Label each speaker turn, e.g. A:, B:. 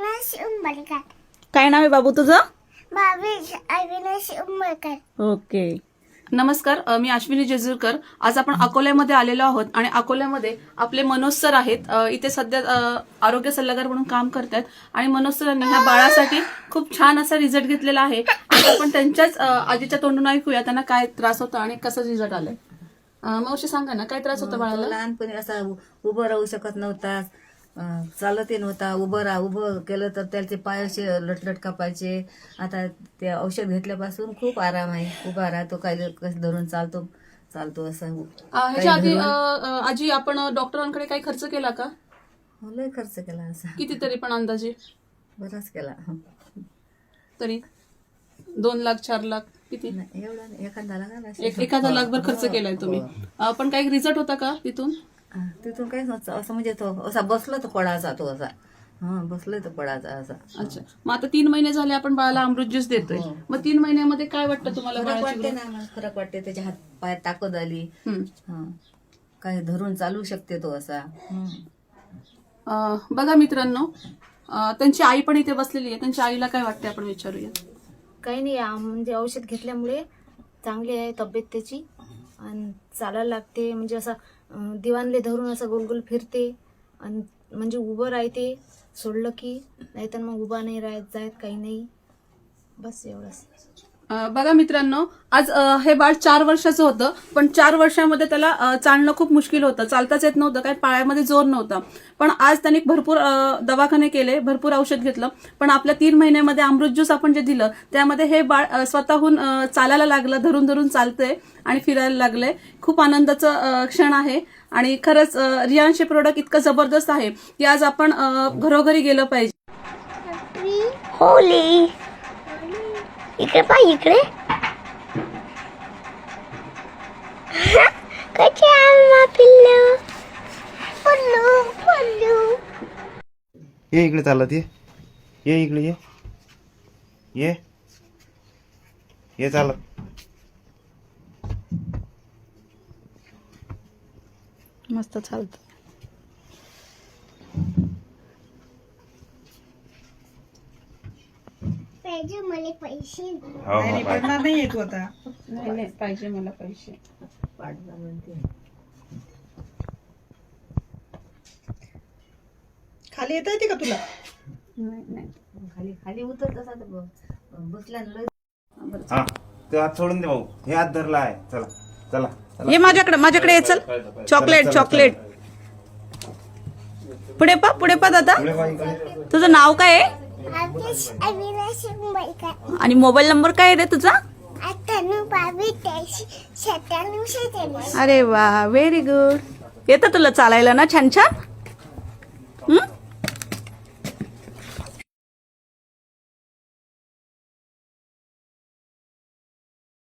A: अविनाश उंबरकर.
B: काय नाव आहे बाबू तुझं?
A: भावेश अविनाश उंबरकर.
B: ओके. नमस्कार, मी अश्विनी जेजूरकर. आज आपण अकोल्यामध्ये आलेलो आहोत आणि अकोल्यामध्ये आपले मनोज सर आहेत. इथे सध्या आरोग्य सल्लागार म्हणून काम करतात आणि मनोज सरांनी ह्या बाळासाठी खूप छान असा रिझल्ट घेतलेला आहे. आज आपण त्यांच्याच आजीच्या तोंडून ऐकूया त्यांना काय त्रास होता आणि कसं रिझल्ट आलाय. मावशी सांगा ना, काय त्रास होता बाळाला?
C: लहानपणी असा उभं राहू शकत नव्हता, चालतही नव्हता. उभं केलं तर त्याचे पाय असे लटलट कापायचे. आता ते औषध घेतल्यापासून खूप आराम आहे. उभा राहतो, काय कसं धरून चालतो असं.
B: ह्याच्या आधी आजी आपण डॉक्टरांकडे काही खर्च केला का?
C: लय खर्च केला असा,
B: कितीतरी पण अंदाजे
C: बराच केला.
B: तरी 2 लाख 4 लाख किती?
C: नाही, एवढा नाही, एखादा लागला
B: एखादा लाखभर खर्च केलाय तुम्ही. पण काही रिझल्ट होता का तिथून?
C: तिथून काहीच नव्हतं. असं म्हणजे तो असा बसला तर पडायचा, तो असा बसलोय तर पडायचा असा.
B: अच्छा, मग आता 3 महिने झाले आपण बाळाला अमृत ज्यूस देतोय. मग 3 महिन्यामध्ये काय वाटतं तुम्हाला?
C: फरक वाटते ना, मला फरक वाटते. त्याच्या हात पायात ताकद आली. काही धरून चालू शकते तो असा.
B: बघा मित्रांनो, त्यांची आई पण इथे बसलेली आहे. त्यांच्या आईला काय वाटते आपण विचारूया.
D: काही नाही, म्हणजे औषध घेतल्यामुळे चांगली आहे तब्येत त्याची आणि चालायला लागते. म्हणजे असं दिवाणले धरून असं गोलगोल फिरते आणि म्हणजे उभं राहते सोडलं की, नाहीतर मग उभा नाही राहत जायत, काही नाही. बस एवढंच.
B: बघा मित्रांनो, आज हे बाळ 4 वर्षाचं होतं, पण 4 वर्षामध्ये त्याला चालणं खूप मुश्किल होतं. चालताच येत नव्हतं, काही पायामध्ये जोर नव्हता. पण आज त्यांनी भरपूर दवाखाने केले, भरपूर औषध घेतलं. पण आपल्या 3 महिन्यामध्ये अमृत ज्यूस आपण जे दिलं त्यामध्ये हे बाळ स्वतःहून चालायला लागलं, धरून धरून चालतंय आणि फिरायला लागलंय. खूप आनंदाचं क्षण आहे आणि खरंच रियांश हे प्रोडक्ट इतकं जबरदस्त आहे की आज आपण घरोघरी गेलं पाहिजे.
A: होली इकडे पाय, इकडे कसे आम्हा पिल्लू पल्लू पल्लू.
E: ये इकडे चालत ये इकडे ये चालत.
B: मस्त चालतं.
A: पाहिजे मला पैसे.
F: पडणार नाही तू आता.
B: नाही पाहिजे मला पैसे.
F: खाली येता येते का तुला?
B: नाही.
C: खाली खाली उतरत असा तर बसला ना.
E: हा, ते हात सोडून दे भाऊ. हे हात धरला आहे. चला
B: ये माझ्याकडे ये. चल, चॉकलेट. पुढे पा दादा. तुझं नाव काय आहे
A: भावेश अविनाश उंबरकर.
B: आणि मोबाईल नंबर काय आहे रे तुझा?
A: 98
B: अरे वा, व्हेरी गुड. येतं तुला चालायला ना छान छान.